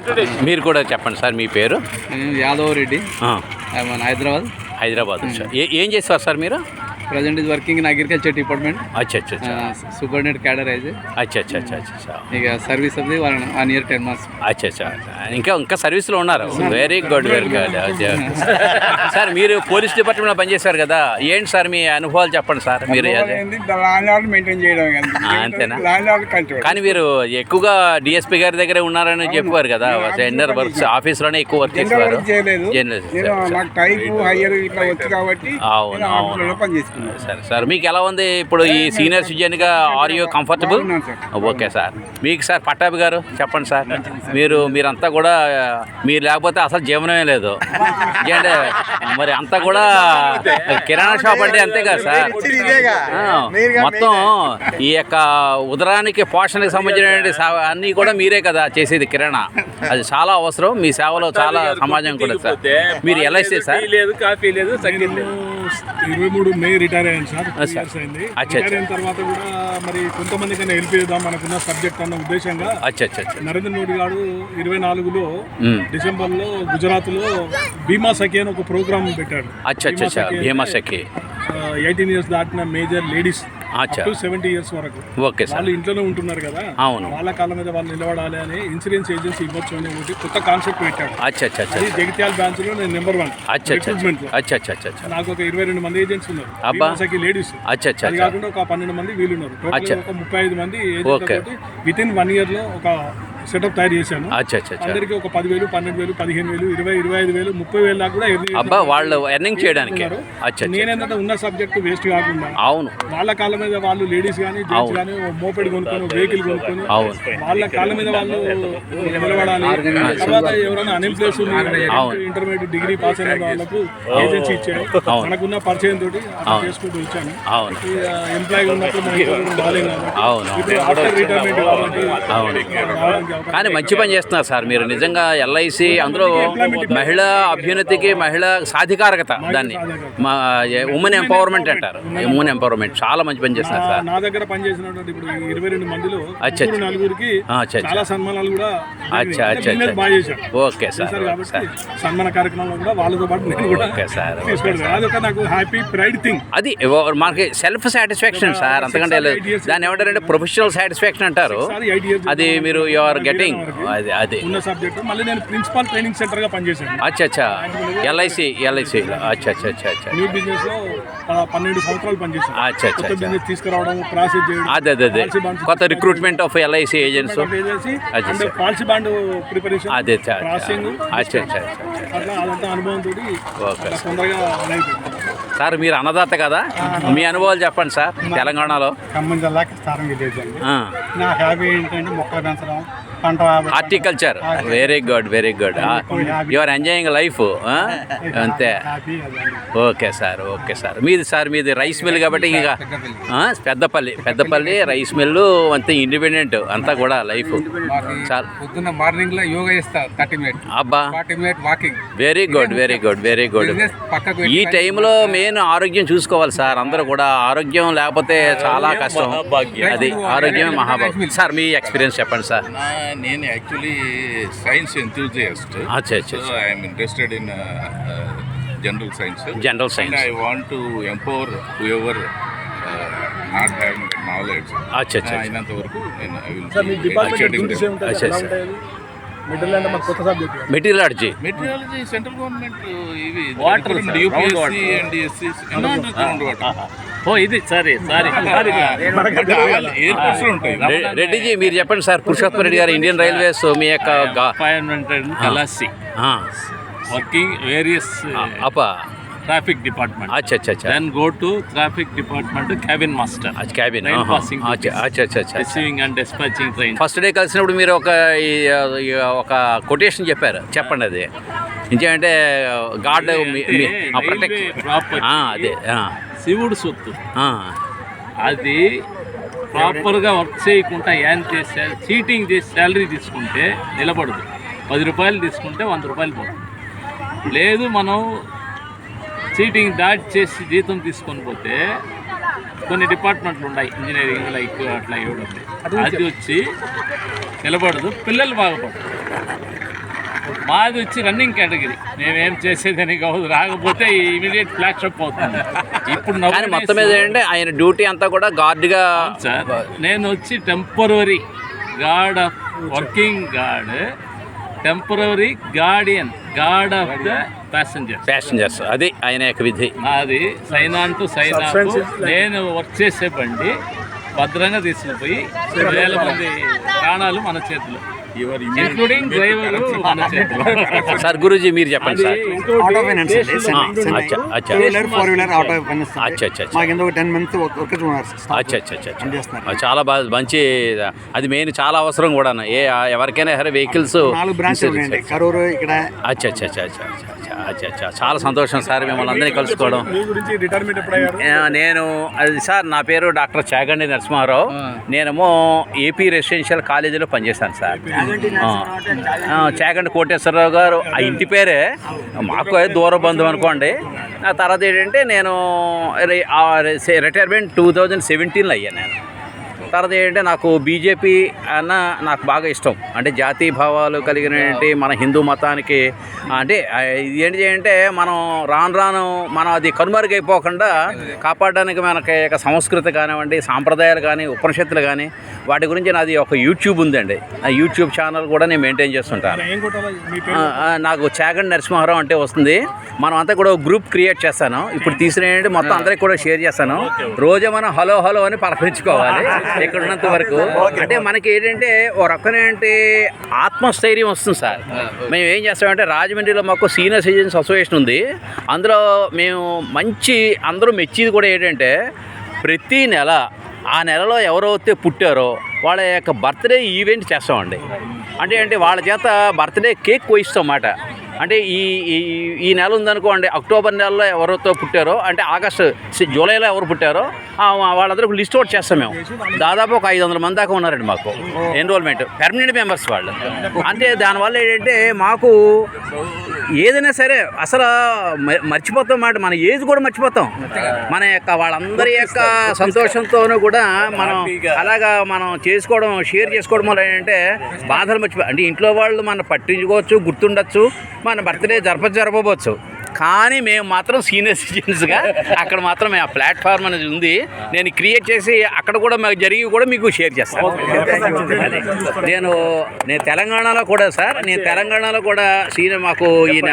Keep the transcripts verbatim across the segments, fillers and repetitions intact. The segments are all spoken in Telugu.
మీరు కూడా చెప్పండి సార్ మీ పేరు. యాదవ్ రెడ్డి, హైదరాబాద్. హైదరాబాద్ సార్. ఏం చేస్తారు సార్ మీరు? Present is working in agriculture department. అచ్చా అచ్చా సూపర్డెంట్ క్యాడర్ అయితే. అచ్చా అచ్చా అచ్చా అచ్చా. ఇక సర్వీస్ అది one one year ten months. అచ్చా అచ్చా. ఇంకా ఇంకా సర్వీస్లో ఉన్నారు. Very good very good. Sir మీరు పోలీస్ డిపార్ట్మెంట్లో పనిచేశారు కదా, ఏంటి సార్ మీ అనుభవాలు చెప్పండి సార్. మీరు మెయింటైన్ చేయడం అంతేనా? కానీ మీరు ఎక్కువగా డిఎస్పీ గారి దగ్గరే ఉన్నారని చెప్పారు కదా, టెండర్ వర్క్స్ ఆఫీస్లోనే ఎక్కువ వర్క్ చేసేవారు. అవును అవును. సరే సార్, మీకు ఎలా ఉంది ఇప్పుడు ఈ సీనియర్ సిటిజన్గా? Are you comfortable? Okay sir. మీకు సార్ పట్టాభి గారు చెప్పండి సార్. మీరు మీరంతా కూడా మీరు లేకపోతే అసలు జీవనమే లేదు. అంటే మరి అంతా కూడా కిరాణా షాప్ అంటే అంతే కదా సార్. మొత్తం ఈ యొక్క ఉదరానికి పోషణకి సంబంధించిన అన్నీ కూడా మీరే కదా చేసేది కిరాణా. అది చాలా అవసరం మీ సేవలో, చాలా సమాజం కూడా సార్. మీరు ఎలా ఇస్తే సార్? కాఫీ లేదు. ఇరవై మూడు మే రిటైర్ అయ్యాను సార్. రిటైర్ అయిన తర్వాత కూడా మరి కొంతమంది కన్నా హెల్ప్ చేద్దాం మనకున్న సబ్జెక్ట్ అన్న ఉద్దేశంగా నరేంద్ర మోడీ గారు ఇరవై నాలుగులో డిసెంబర్ లో గుజరాత్ లో బీమా సఖి అని ఒక ప్రోగ్రామ్ పెట్టాడు. ఎయిటీన్ ఇయర్స్ దాటిన మేజర్ లేడీస్ సెవెంటీ ఇయర్స్ వరకు వాళ్ళు ఇంట్లోనే ఉంటున్నారు కదా, వాళ్ళ కాళ్ళ మీద వాళ్ళు నిలబడాలి అని ఇన్సూరెన్స్ ఏజెన్సీ ఇవ్వచ్చు అని ఒకటి కొత్త కాన్సెప్ట్ పెట్టాడు. అది జగిత్యాల బ్రాంచ్ లో నేను నెంబర్ వన్ రిక్రూట్మెంట్ లో. నాకు ఒక ఇరవై రెండు మంది ఏజెంట్స్ ఉన్నారు లేడీస్. అది కాకుండా ఒక పన్నెండు మంది వీళ్ళు ఉన్నారు. టోటల్ ఒక ముప్పై ఐదు మంది విత్ ఇన్ వన్ ఇయర్ లో ఒక సెటప్ తయారు చేశాను. అందరికి ఒక పదివేలు, పన్నెండు వేలు, పదిహేను వేలు, ఇరవై ఇరవై ఐదు వేలు, ముప్పై వేలు దాకా కూడా వాళ్ళు ఎర్నింగ్ చేయడానికి. నేనేంటంటే ఉన్న సబ్జెక్ట్ వేస్ట్ కాకుండా అవును వాళ్ళ కాళ్ళ మీద వాళ్ళు లేడీస్ కానీ జెంట్స్ కానీ మోపెడ్ కొనుక్కొని వెహికల్ కొనుక్కొని వాళ్ళ కాళ్ళ మీద వాళ్ళు నిలబడాలి. తర్వాత ఎవరైనా అన్ఎంప్లాయ్స్ ఇంటర్మీడియట్ డిగ్రీ పాస్ అయిన వాళ్ళకు ఏజెన్సీ ఇచ్చాడు. మనకున్న పరిచయం తోటి చేసుకుంటూ ఇచ్చాను. ఎంప్లాయీ ఉన్నప్పుడు ఇప్పుడు ఆఫ్టర్ రిటైర్మెంట్ కాబట్టి కానీ మంచి పని చేస్తున్నారు సార్ మీరు నిజంగా. ఎల్ఐసి అందులో మహిళా అభ్యున్నతికి, మహిళా సాధికారకత, దాన్ని ఉమెన్ ఎంపవర్మెంట్ అంటారు. ఉమెన్ ఎంపవర్మెంట్ చాలా మంచి పని చేస్తున్నారు సార్. నా దగ్గర పనిచేసినటువంటి ఇప్పుడు ఇరవై రెండు మందిలో నలుగురికి చాలా సన్మానాలు కూడా. అచ్చా అచ్చా ఓకే సార్. సన్మాన కార్యక్రమంలో కూడా వాళ్ళతో పాటు నేను కూడా ఓకే సార్. అదొక నాకు హ్యాపీ ప్రైడ్ థింగ్. అది మనకి సెల్ఫ్ సాటిస్ఫాక్షన్ సార్. అంతకంటే దాన్ని ఏమంటారంటే ప్రొఫెషనల్ సాటిస్ఫాక్షన్ అంటారు. అది మీరు యు ఆర్ గెటింగ్ అది అది ఉన్న సబ్జెక్ట్. మళ్ళీ నేను ప్రిన్సిపల్ ట్రైనింగ్ సెంటర్ గా పనిచేశాను. అచ్చా అచ్చా ఎల్ఐసి ఎల్ఐసి అచ్చా అచ్చా అచ్చా అచ్చా న్యూ బిజినెస్ లో పన్నెండు సంవత్సరాలు పనిచేశాను. అచ్చా అచ్చా కొత్త బిజినెస్ తీసుకురావడం, ప్రాసెస్ చేయడం, అదే అదే అదే కొత్త recruitment of LIC agents, policy bond preparation, అదే ప్రాసెసింగ్. అచ్చా అచ్చా అట్లా అదంతా అనుభవంతో తొందరగా సార్. మీరు అన్నదాత కదా, మీ అనుభవాలు చెప్పండి సార్. తెలంగాణలో ఖమ్మం జిల్లాకి స్థానం విలేజండి. నా హ్యాబీ ఏంటంటే మొక్కలు పెంచడం, పంట horticulture. Very good very good. You are enjoying life అంతే. Okay sir okay sir. మీది సార్ మీది రైస్ మిల్ కాబట్టి ఇక పెద్దపల్లి పెద్దపల్లి రైస్ మిల్లు అంతే ఇండిపెండెంట్ అంతా కూడా లైఫ్. చాలా పొద్దున్న మార్నింగ్ లో యోగా చేస్తా థర్టీ మినిట్ అబ్బా. Forty minute walking. Very good very good very good. ఈ టైంలో మెయిన్ ఆరోగ్యం చూసుకోవాలి సార్. అందరూ కూడా ఆరోగ్యం లేకపోతే చాలా కష్టం. అది ఆరోగ్యమే మహాభాగ్యం. సార్ మీ ఎక్స్పీరియన్స్ చెప్పండి సార్. నేను యాక్చువల్లీ సైన్స్ ఎంతూజియాస్ట్. అచ్చా అచ్చా. So I'm interested in general science. General science. I want to empower whoever not having knowledge. అచ్చా అచ్చా. అయినంత వరకు నేను I will. Meteorology meteorology central government ఇవి water UPSC and SC ground water. ఓ ఇది సరే సారీ ఎయిర్పోర్ట్స్ ఉంటాయి. రెడ్డిజీ మీరు చెప్పండి సార్. పురుషోత్తమ రెడ్డి గారు ఇండియన్ రైల్వేస్ మీ యొక్క కలాసి వర్కింగ్ వేరియస్ అప్పా ట్రాఫిక్ డిపార్ట్మెంట్. అచ్చా అచ్చా అచ్చా. Then go to traffic department cabin master. Cabin receiving and dispatching train. First day కలిసినప్పుడు మీరు ఒక ఒక కొటేషన్ చెప్పారు, చెప్పండి అది. ఇంకేంటే గాడ్ ప్రొటెక్ట్. అదే శివుడు సొత్తు అది ప్రాపర్గా వర్క్ చేయకుండా ఏం చేసే చీటింగ్ చేసి శాలరీ తీసుకుంటే నిలబడదు. పది రూపాయలు తీసుకుంటే వంద రూపాయలు పోతుంది. లేదు మనం చీటింగ్ దాటి చేసి జీతం తీసుకొని పోతే కొన్ని డిపార్ట్మెంట్లు ఉన్నాయి, ఇంజనీరింగ్ లైక్ అట్లా ఇవ్వడం, అది వచ్చి నిలబడదు, పిల్లలు బాగుపడతారు. మాది వచ్చి రన్నింగ్ కేటగిరీ, మేమేం చేసేదని కాదు, రాకపోతే ఇమీడియట్ ఫ్లాష్ అప్ అవుతుంది. ఇప్పుడు కానీ మొత్తం మీద ఏంటంటే ఆయన డ్యూటీ అంతా కూడా గార్డ్గా సార్, నేను వచ్చి temporary guard of working guard, temporary guardian guard of the passenger passengers, అది ఆయన యొక్క విధి. నాది సైనాన్ టు సైనాకు నేను వర్క్ చేసే బండి భద్రంగా తీసుకుపోయి వేల మంది ప్రాణాలు మన చేతిలో, ఇంక్లూడింగ్ డ్రైవర్ మన చేతిలో. సార్ గురూజీ మీరు చెప్పండి సార్. ఆటో ఫైనాన్స్ అండి, చెన్నై, చెన్నై. అచ్చా అచ్చా two wheeler four wheeler auto finance అండి. అచ్చా అచ్చా అచ్చా మాకు ఎందుకు టెన్ మంత్స్ వర్క్ ఉన్నారు సార్. అచ్చా అచ్చా అచ్చా అచ్చా. చేస్తున్నారు. అది చాలా బాగా మంచి, అది మెయిన్ చాలా అవసరం కూడా. ఏ ఎవరికైనా సరే వెహికల్స్ నాలుగు బ్రాంచ్లు ఉన్నాయండి, కరూరు ఇక్కడ. అచ్చా అచ్చా అచ్చా అచ్చా అచ్చా అచ్చా అచ్చా చాలా సంతోషం సార్ మిమ్మల్ని అందరినీ కలుసుకోవడం. మీ గురించి రిటైర్మెంట్ ఎప్పుడు అయ్యారు? ఆ, నేను అది సార్ నా పేరు డాక్టర్ చాగండి నరసింహారావు. నేనేమో ఏపీ రెసిడెన్షియల్ కాలేజీలో పనిచేశాను సార్. ఆ, ఆ, చాగండి కోటేశ్వరరావు గారు ఆ ఇంటి పేరే, మాకు దూర బంధువు అనుకోండి. ఆ తర్వాత ఏంటంటే నేను రిటైర్మెంట్ టూ థౌజండ్ సెవెంటీన్లో అయ్యాను నేను. తర్వాత ఏంటంటే నాకు బీజేపీ అన్న నాకు బాగా ఇష్టం. అంటే జాతీయ భావాలు కలిగినటువంటి మన హిందూ మతానికి అంటే ఇది ఏంటి అంటే మనం రాను రాను మనం అది కనుమరుగైపోకుండా కాపాడడానికి మనకి ఒక సంస్కృతి కానివ్వండి, సాంప్రదాయాలు కానీ, ఉపనిషత్తులు కానీ వాటి గురించి నాది ఒక యూట్యూబ్ ఉందండి. ఆ యూట్యూబ్ ఛానల్ కూడా నేను మెయింటైన్ చేస్తుంటాను. ఏం కొట్టాలి మీ ఆ, ఆ, నాకు చాగండి నరసింహారావు అంటే వస్తుంది. మనం అంతా కూడా గ్రూప్ క్రియేట్ చేస్తాను. ఇప్పుడు తీసిన ఏంటంటే మొత్తం అందరికి కూడా షేర్ చేస్తాను. రోజు మనం హలో హలో అని పలకరించుకోవాలి ఇక్కడ ఉన్నంత వరకు. అంటే మనకి ఏంటంటే ఓ రకమైనటువంటి ఆత్మస్థైర్యం వస్తుంది సార్. మేము ఏం చేస్తామంటే రాజమండ్రిలో మాకు సీనియర్ సిటిజన్స్ అసోసియేషన్ ఉంది. అందులో మేము మంచి అందరూ మెచ్చేది కూడా ఏంటంటే ప్రతి నెల ఆ నెలలో ఎవరైతే పుట్టారో వాళ్ళ యొక్క బర్త్డే ఈవెంట్ చేస్తామండి. అంటే అంటే వాళ్ళ చేత బర్త్డే కేక్ కోయిస్తాం అన్నమాట. అంటే ఈ ఈ- ఈ నెల ఉందనుకోండి, అక్టోబర్ నెలలో ఎవరితో పుట్టారో, అంటే ఆగస్టు జూలైలో ఎవరు పుట్టారో వాళ్ళందరూ లిస్ట్ అవుట్ చేస్తాం మేము. దాదాపు ఒక ఐదు వందల మంది దాకా ఉన్నారండి మాకు ఎన్రోల్మెంట్, పెర్మనెంట్ మెంబర్స్ వాళ్ళు. అంటే దానివల్ల ఏంటంటే మాకు ఏదైనా సరే అసలు మ- మర్చిపోతాం మాట, మన ఏజ్ కూడా మర్చిపోతాం. మన యొక్క వాళ్ళందరి యొక్క సంతోషంతోనూ కూడా మనం అలాగా మనం చేసుకోవడం, షేర్ చేసుకోవడం వల్ల ఏంటంటే బాధలు మర్చిపో, అంటే ఇంట్లో వాళ్ళు మనం పట్టించుకోవచ్చు, గుర్తుండొచ్చు, మన బర్త్డే జరప జరపవచ్చు. కానీ మేము మాత్రం సీనియర్ సిటిజన్స్గా అక్కడ మాత్రం ఆ ప్లాట్ఫామ్ అనేది ఉంది. నేను క్రియేట్ చేసి అక్కడ కూడా మాకు జరిగి కూడా మీకు షేర్ చేస్తాను. అదే నేను నేను తెలంగాణలో కూడా సార్, నేను తెలంగాణలో కూడా సీనియర్ మాకు ఈయన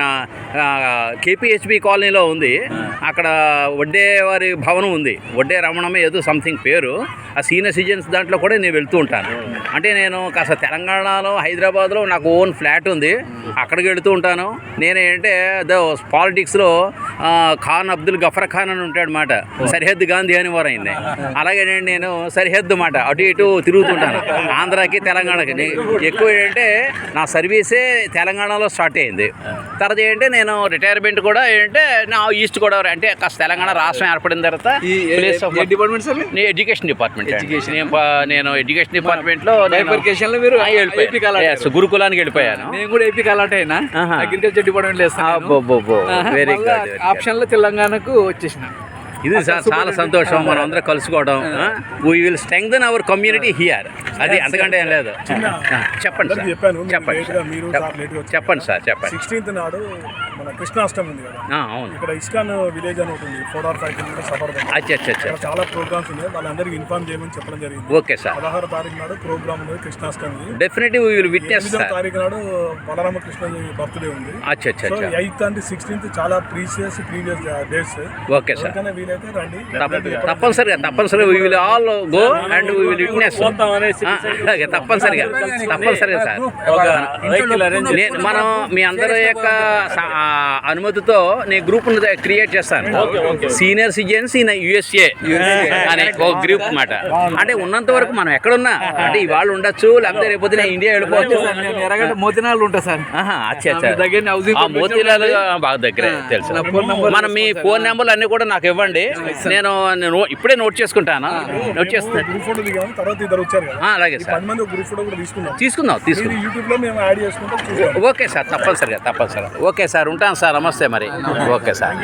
కేపీహెచ్బి కాలనీలో ఉంది. అక్కడ వడ్డే వారి భవనం ఉంది, వడ్డే రమణమ్మ ఏదో సంథింగ్ పేరు. ఆ సీనియర్ సిటిజన్స్ దాంట్లో కూడా నేను వెళ్తూ ఉంటాను. అంటే నేను కాస్త తెలంగాణలో హైదరాబాద్లో నాకు ఓన్ ఫ్లాట్ ఉంది, అక్కడికి వెళుతూ ఉంటాను. నేనేంటే పాలిటిక్స్లో ఖాన్ అబ్దుల్ గఫర్ ఖాన్ అని ఉంటాడు మాట, సరిహద్దు గాంధీ అని వారు అయింది. అలాగే నేను సరిహద్దు మాట అటు ఇటు తిరుగుతుంటాను, ఆంధ్రాకి తెలంగాణకి. ఎక్కువ ఏంటంటే నా సర్వీసే తెలంగాణలో స్టార్ట్ అయింది. తర్వాత ఏంటంటే నేను రిటైర్మెంట్ కూడా ఏంటంటే నా ఈస్ట్ గోదావరి, అంటే కాస్త తెలంగాణ రాష్ట్రం ఏర్పడిన తర్వాత ప్లేస్ ఆఫ్ డిపార్ట్మెంట్ సార్ నేను ఎడ్యుకేషన్ డిపార్ట్మెంట్. నేను ప- నేను ఎడ్యుకేషన్ డిపార్ట్మెంట్లో బైఫర్కేషన్లో మీరు ఏపీ కాలాట. గురుకులానికి వెళ్ళిపోయాను. నేను కూడా ఏపీ కాలాట అయినా ఆహా. Agriculture department very good. Option లో తెలంగాణకు వచ్చేసిన. ఇది సార్ చాలా సంతోషం మనం అందరం కలుసుకోవడం. We will strengthen our community here. అది అంతకంటే ఏం లేదు. ఆ, చెప్పండి సార్, చెప్పాను చెప్పండి లేట్గా మీరు సార్ లేట్గా వచ్చారు. చెప్పండి సార్ చెప్పండి. సిక్స్టీన్త్ నాడు మన కృష్ణాష్టమి ఉంది కదా, ఆ, అవును. ఇక్కడ ఇస్కాన్ విలేజ్ అని ఉంటుంది, ఫోర్ ఆర్ ఫైవ్ కిలోమీటర్ సఫర్. అచ్చా అచ్చా అచ్చా. ఇక్కడ చాలా ప్రోగ్రామ్స్ ఉన్నాయి, వాళ్ళందరికీ ఇన్ఫార్మ్ చేయమని చెప్పడం జరిగింది. ఓకే సార్, పదహారు తారీఖు నాడు ప్రోగ్రామ్ ఉంది Krishnashtami. Definitely we will witness ఎనిమిదో సార్. తారీఖు నాడు బలరామకృష్ణ బర్త్డే ఉంది. అచ్చా అచ్చా సో అచ్చా. ఎయిత్ అండ్ సిక్స్టీన్త్ చాలా previous previous days. Okay sir, ఎవరికైనా వీలైతే రండి. తప్ప- తప్పనిసరిగా తప్పనిసరిగా we will all go and we will witness. అలాగే తప్పనిసరిగా తప్పనిసరిగా సార్. నేను మనం మీ అందరి యొక్క స- ఆ, అనుమతితో నేను గ్రూప్ క్రియేట్ చేస్తాను. సీనియర్ సిటిజన్స్ ఇన్ యుఎస్ఏ అనే ఒక గ్రూప్ మాట. అంటే ఉన్నంత వరకు మనం ఎక్కడున్నా, అంటే ఇవాళ ఉండొచ్చు, లేకపోతే రేపొద్దు నేను ఇండియా వెళ్ళిపోవచ్చు. ఎరగంట మోతినాలు ఉంటా సార్. ఆహా, అచ్చా అచ్చా. దగ్గర హౌసింగ్ ఆ మోతీలాలు బాగా దగ్గరే తెలుసు. మనం మీ ఫోన్ నెంబర్లు అన్నీ కూడా నాకు ఇవ్వండి, నేను నేను ఇప్పుడే నోట్ చేసుకుంటాను. నోట్ చేస్తాను. గ్రూప్ ఫోటో దిగాము, తర్వాత ఇద్దరు వచ్చారు కదా, ఆ, అలాగే ఈ సార్, పది మంది గ్రూప్ ఫోటో కూడా తీసుకున్నాం. తీసుకుందాం తీసుకుందాం. యూట్యూబ్ లో మేము యాడ్ చేసుకుంటాం, చూస్తాం. ఓకే సార్, తప్పనిసరిగా తప్పనిసరిగా. ఓకే సార్, ఉంటాను సార్, నమస్తే మరి. Okay sir.